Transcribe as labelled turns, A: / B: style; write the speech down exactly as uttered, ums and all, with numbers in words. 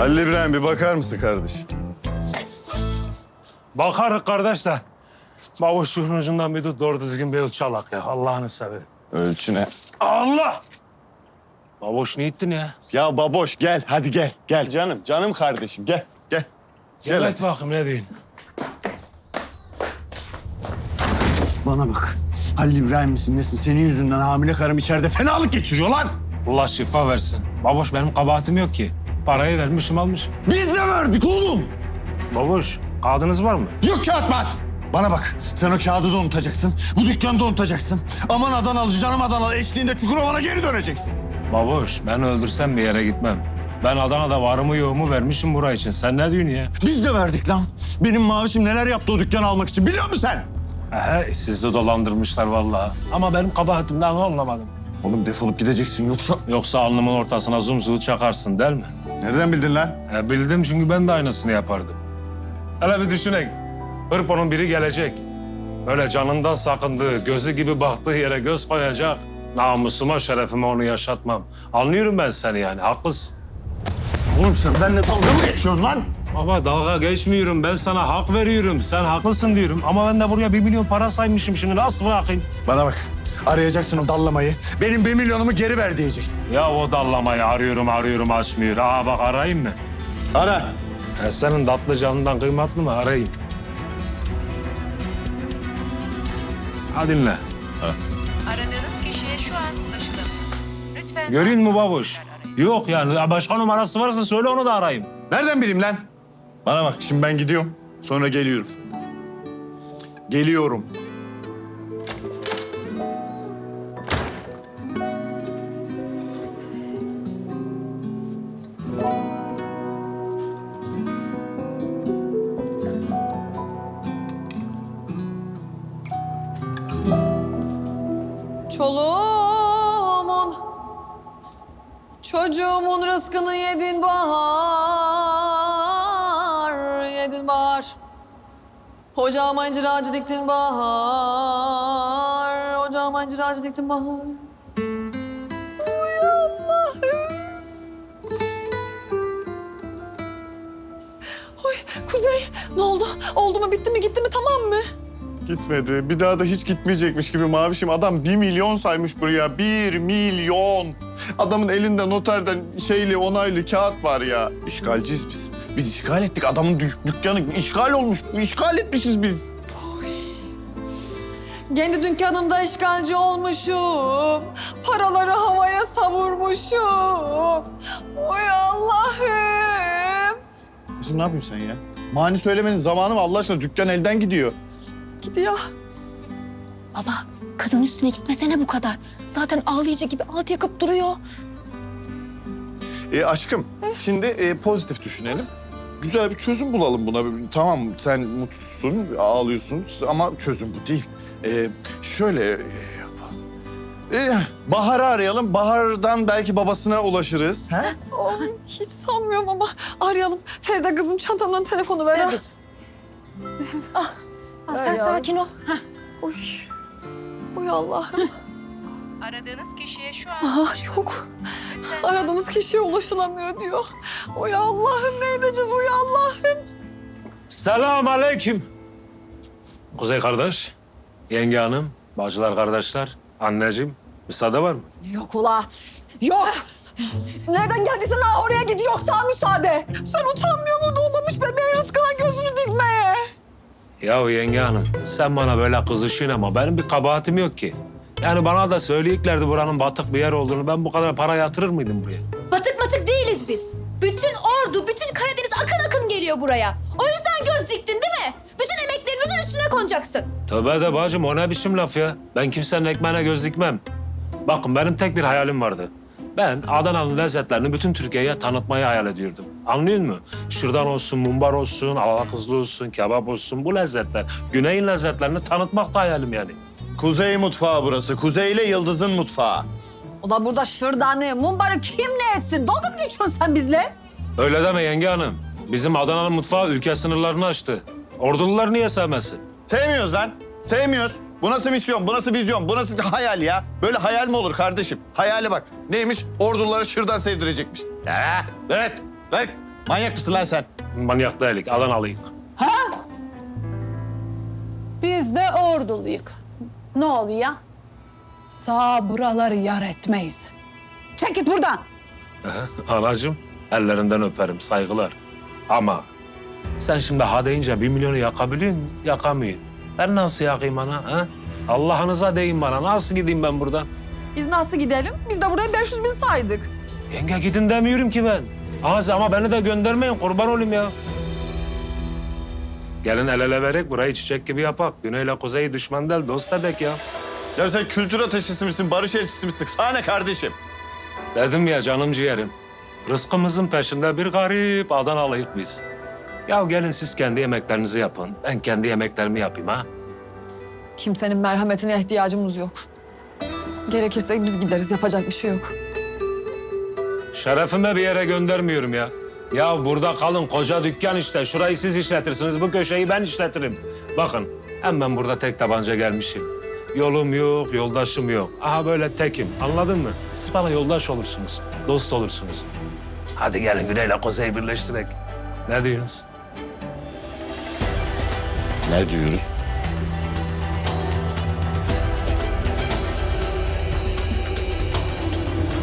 A: Halil İbrahim bir bakar mısın kardeşim?
B: Bakarız kardeş de. Babuş şunun ucundan bir tut doğru düzgün bir ölçü alak ya. Allah'ını severim.
A: Ölçü ne?
B: Allah! Babuş ne ettin ya?
A: Ya baboş gel hadi gel. Gel canım canım kardeşim gel gel. Gel
B: Gel
A: hadi.
B: et bakayım ne diyeyim.
A: Bana bak. Halil İbrahim misin nesin? Senin yüzünden hamile karım içeride fenalık geçiriyor lan.
B: Allah şifa versin. Babuş benim kabahatim yok ki. Parayı vermişim almışım.
A: Biz de verdik oğlum.
B: Babuş kağıdınız var mı?
A: Yok kağıt mat. Bana bak sen o kağıdı da unutacaksın. Bu dükkanı da unutacaksın. Aman Adanalı canım Adanalı eşliğinde Çukurova'na geri döneceksin.
B: Babuş ben öldürsem bir yere gitmem. Ben Adana'da varımı yoğumu vermişim buraya için. Sen ne diyorsun ya?
A: Biz de verdik lan. Benim mavişim neler yaptı o dükkanı almak için biliyor musun sen?
B: He, sizi dolandırmışlar vallahi. Ama benim kabahatimden anlamadım.
A: Oğlum defolup gideceksin yoksa...
B: Yoksa alnımın ortasına zumzuğu çakarsın değil mi?
A: Nereden bildin lan?
B: He, bildim çünkü ben de aynısını yapardım. Hele bir düşünek. Hırpo'nun biri gelecek. Böyle canından sakındığı, gözü gibi baktığı yere göz koyacak. Namusuma, şerefime onu yaşatmam. Anlıyorum ben seni yani, haklısın.
A: Oğlum sen benimle dalga mı geçiyorsun lan?
B: Ama dalga geçmiyorum. Ben sana hak veriyorum. Sen haklısın diyorum. Ama ben de buraya bir milyon para saymışım. Şimdi nasıl bırakayım?
A: Bana bak. Arayacaksın o dallamayı. Benim bir milyonumu geri ver diyeceksin.
B: Ya o dallamayı arıyorum arıyorum açmıyor. Aa bak arayayım mı?
A: Ara.
B: Ya senin tatlı canından kıymetli mi? Arayayım. Ha dinle.
C: Aradığınız kişiye şu an ulaşılamıyor. Lütfen...
B: Görüyor musun babuş? Yok yani. Başka numarası varsa söyle onu da arayayım.
A: Nereden bileyim lan? Bana bak şimdi ben gidiyorum. Sonra geliyorum. Geliyorum.
D: Çoluğumun, çocuğumun rızkını yedin bahar, yedin bahar. Ocağıma incir ağacı diktin bahar, ocağıma incir ağacı diktin bahar. Oy Allah'ım. Oy Kuzey, ne oldu? Oldu mu, bitti mi, gitti mi, tamam mı?
A: Gitmedi. Bir daha da hiç gitmeyecekmiş gibi mavişim. Adam bir milyon saymış buraya. Bir milyon. Adamın elinde noterden şeyli onaylı kağıt var ya. İşgalciyiz biz. Biz işgal ettik. Adamın dük- dükkanı işgal olmuş. İşgal etmişiz biz.
D: Kendi dükkanımda işgalci olmuşum. Paraları havaya savurmuşum. Oy Allah'ım.
A: Şimdi ne yapıyorsun sen ya? Mani söylemenin zamanı mı Allah aşkına? Dükkan elden gidiyor.
D: Gidiyor.
E: Baba, kadın üstüne gitmesene bu kadar. Zaten ağlayıcı gibi alt yakıp duruyor.
A: E, aşkım, şimdi e, pozitif düşünelim. Güzel bir çözüm bulalım buna. Tamam sen mutsuzsun, ağlıyorsun ama çözüm bu değil. E, şöyle e, yapalım. E, Bahar'ı arayalım. Bahar'dan belki babasına ulaşırız. Ha?
D: Oy, hiç sanmıyorum ama arayalım. Feride kızım çantamdan telefonu ver. ha.
E: Ah, sen
D: Ay
E: sakin ol. Heh.
D: Oy. Oy Allah'ım.
C: Aradığınız kişiye şu an
D: Aha
C: ulaşılamıyor.
D: yok.
C: Lütfen...
D: Aradığınız kişiye ulaşılamıyor diyor. Oy Allah'ım ne edeceğiz oy Allah'ım.
B: Selam aleyküm. Kuzey kardeş, yenge hanım, bacılar kardeşler, anneciğim. Müsaade var mı?
D: Yok ula. Yok. Nereden geldiysen ha oraya gidiyor sağ müsaade. Sen utanmıyor mu doğmamış bebeğin rızkına gözünü dikmeye?
B: Ya yenge hanım, sen bana böyle kızışın ama benim bir kabahatim yok ki. Yani bana da söyleyeceklerdi buranın batık bir yer olduğunu. Ben bu kadar para yatırır mıydım buraya?
E: Batık batık değiliz biz. Bütün ordu, bütün Karadeniz akın akın geliyor buraya. O yüzden göz diktin değil mi? Bütün emeklerimizin üstüne konacaksın.
B: Tövbe de bacım, o ne biçim laf ya? Ben kimsenin ekmeğine göz dikmem. Bakın benim tek bir hayalim vardı. Ben Adana'nın lezzetlerini bütün Türkiye'ye tanıtmayı hayal ediyordum. Anlıyor musun? Şırdan olsun, mumbar olsun, alakızlı olsun, kebap olsun, bu lezzetler. Güney'in lezzetlerini tanıtmak da hayalim yani.
A: Kuzey mutfağı burası. Kuzeyle Yıldız'ın mutfağı.
D: Ulan burada şırdanı, mumbarı kim ne etsin? Dalga mı geçiyorsun sen bizle?
B: Öyle deme yenge hanım. Bizim Adana'nın mutfağı ülke sınırlarını aştı. Ordulular niye sevmesin?
A: Sevmiyoruz lan. Sevmiyoruz. Bu nasıl misyon, bu nasıl vizyon, bu nasıl hayal ya? Böyle hayal mi olur kardeşim? Hayale bak. Neymiş? Orduları şırdan sevdirecekmiş. Ya, evet, evet. Manyak mısın lan sen?
B: Manyak değilik, Adanalıyık.
F: Biz de orduluyuk. Ne oluyor? Sağ buraları yar etmeyiz. Çek git buradan.
B: Anacığım, ellerinden öperim, saygılar. Ama sen şimdi ha deyince bir milyonu yakabiliyor musun? Yakamıyor. Ben nasıl yakayım ana? Ha? Allah'ınıza deyin bana, nasıl gideyim ben buradan?
D: Biz nasıl gidelim? Biz de buraya beş yüz bin saydık.
B: Yenge gidin demiyorum ki ben. Ama, ama beni de göndermeyin, kurban olayım ya. Gelin el ele vererek burayı çiçek gibi yapak. Güneyle kuzeyi düşman değil, dost edek ya.
A: Ya sen kültür ateşisi misin, barış elçisi misin? Sana ne kardeşim?
B: Dedim ya canım ciğerim. Rızkımızın peşinde bir garip Adanalıyık biz. Ya gelin siz kendi yemeklerinizi yapın. Ben kendi yemeklerimi yapayım ha.
D: Kimsenin merhametine ihtiyacımız yok. Gerekirse biz gideriz. Yapacak bir şey yok.
B: Şerefime bir yere göndermiyorum ya. Ya burada kalın, koca dükkan işte. Şurayı siz işletirsiniz, bu köşeyi ben işletirim. Bakın, hem ben burada tek tabanca gelmişim. Yolum yok, yoldaşım yok. Aha böyle tekim, anladın mı? Siz bana yoldaş olursunuz, dost olursunuz. Hadi gelin Güney'le Kuzey'i birleştirek. Ne diyorsunuz?
A: Ne diyoruz?